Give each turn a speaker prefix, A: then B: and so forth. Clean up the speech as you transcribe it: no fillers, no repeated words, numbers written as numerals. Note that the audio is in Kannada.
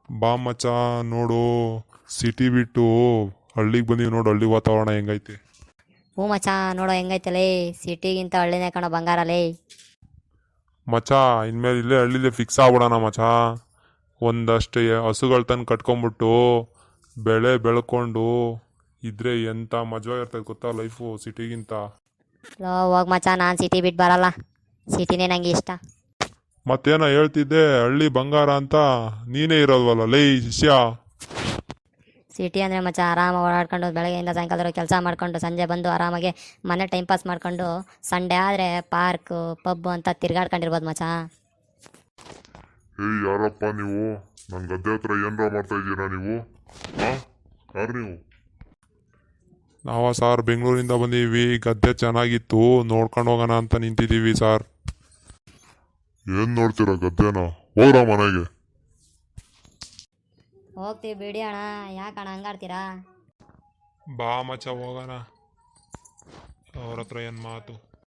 A: ಬಾ ಮಚ್ಚ ನೋಡು, ಸಿಟಿ ಬಿಟ್ಟು ಹಳ್ಳಿಗೆ ಬಂದೀವಿ ನೋಡು, ಹಳ್ಳಿ ವಾತಾವರಣ ಹೆಂಗೈತೆ.
B: ಹ್ಞೂ ಮಚ್ಚ, ನೋಡೋ ಹೆಂಗೈತಲೇ, ಸಿಟಿಗಿಂತ ಹಳ್ಳಿನೇ ಕಣೋ ಬಂಗಾರಲೇ.
A: ಮಚ್ಚ ಇನ್ಮೇಲೆ ಇಲ್ಲೇ ಹಳ್ಳಿಲೇ ಫಿಕ್ಸ್ ಆಗ್ಬಿಡೋಣ ಮಚ್ಚ. ಒಂದಷ್ಟು ಹಸುಗಳು ತಂದು ಕಟ್ಕೊಂಬಿಟ್ಟು ಬೆಳೆ ಬೆಳ್ಕೊಂಡು ಇದ್ರೆ ಎಂಥ ಮಜಾ ಇರ್ತದೆ ಗೊತ್ತಾ ಲೈಫು ಸಿಟಿಗಿಂತ.
B: ಲೋ ಹೋಗ್ ಮಚ್ಚ, ನಾನು ಸಿಟಿ ಬಿಟ್ಟು ಬರಲ್ಲ, ಸಿಟಿನೇ ನಂಗೆ ಇಷ್ಟ.
A: ಮತ್ತೇನೋ ಹೇಳ್ತಿದ್ದೆ ಹಳ್ಳಿ ಬಂಗಾರ ಅಂತ, ನೀನೇ ಇರೋಲ್ವಲ್ಲ ಲೈ ಶಿಷ್ಯ.
B: ಸಿಟಿ ಅಂದರೆ ಮಚ್ಚ ಆರಾಮಾಗಿ ಓಡಾಡ್ಕೊಂಡು ಬೆಳಗ್ಗೆಯಿಂದ ಸಾಯಂಕಾಲದವರೆಗೆ ಕೆಲಸ ಮಾಡ್ಕೊಂಡು ಸಂಜೆ ಬಂದು ಆರಾಮಾಗಿ ಮನೆ ಟೈಮ್ ಪಾಸ್ ಮಾಡ್ಕೊಂಡು ಸಂಡೇ ಆದರೆ ಪಾರ್ಕು ಪಬ್ಬು ಅಂತ ತಿರ್ಗಾಡ್ಕೊಂಡಿರ್ಬೋದು ಮಚ್ಚ.
C: ಏಯ್ ಯಾರಪ್ಪ ನೀವು? ನನ್ನ ಗದ್ದೆ ಹತ್ರ ಏನರ ಮಾಡ್ತಾ ಇದ್ದೀರಾ ನೀವು? ಯಾರು ನೀವು?
A: ನಾವ ಸಾರ್ ಬೆಂಗಳೂರಿಂದ ಬಂದೀವಿ, ಗದ್ದೆ ಚೆನ್ನಾಗಿತ್ತು ನೋಡ್ಕೊಂಡು ಹೋಗೋಣ ಅಂತ ನಿಂತಿದ್ದೀವಿ ಸಾರ್.
C: ಏನ್ ನೋಡ್ತೀರಾ ಗದ್ದೆನ? ಹೋಗ್ರ ಮನೆಗೆ.
B: ಹೋಗ್ತೀವಿ ಬಿಡಿ ಅಣ್ಣ, ಯಾಕಣ್ಣ ಹಂಗಾಡ್ತೀರಾ?
A: ಬಾ ಮಚ್ಚ ಹೋಗೋಣ, ಅವ್ರ ಹತ್ರ ಏನು ಮಾತು.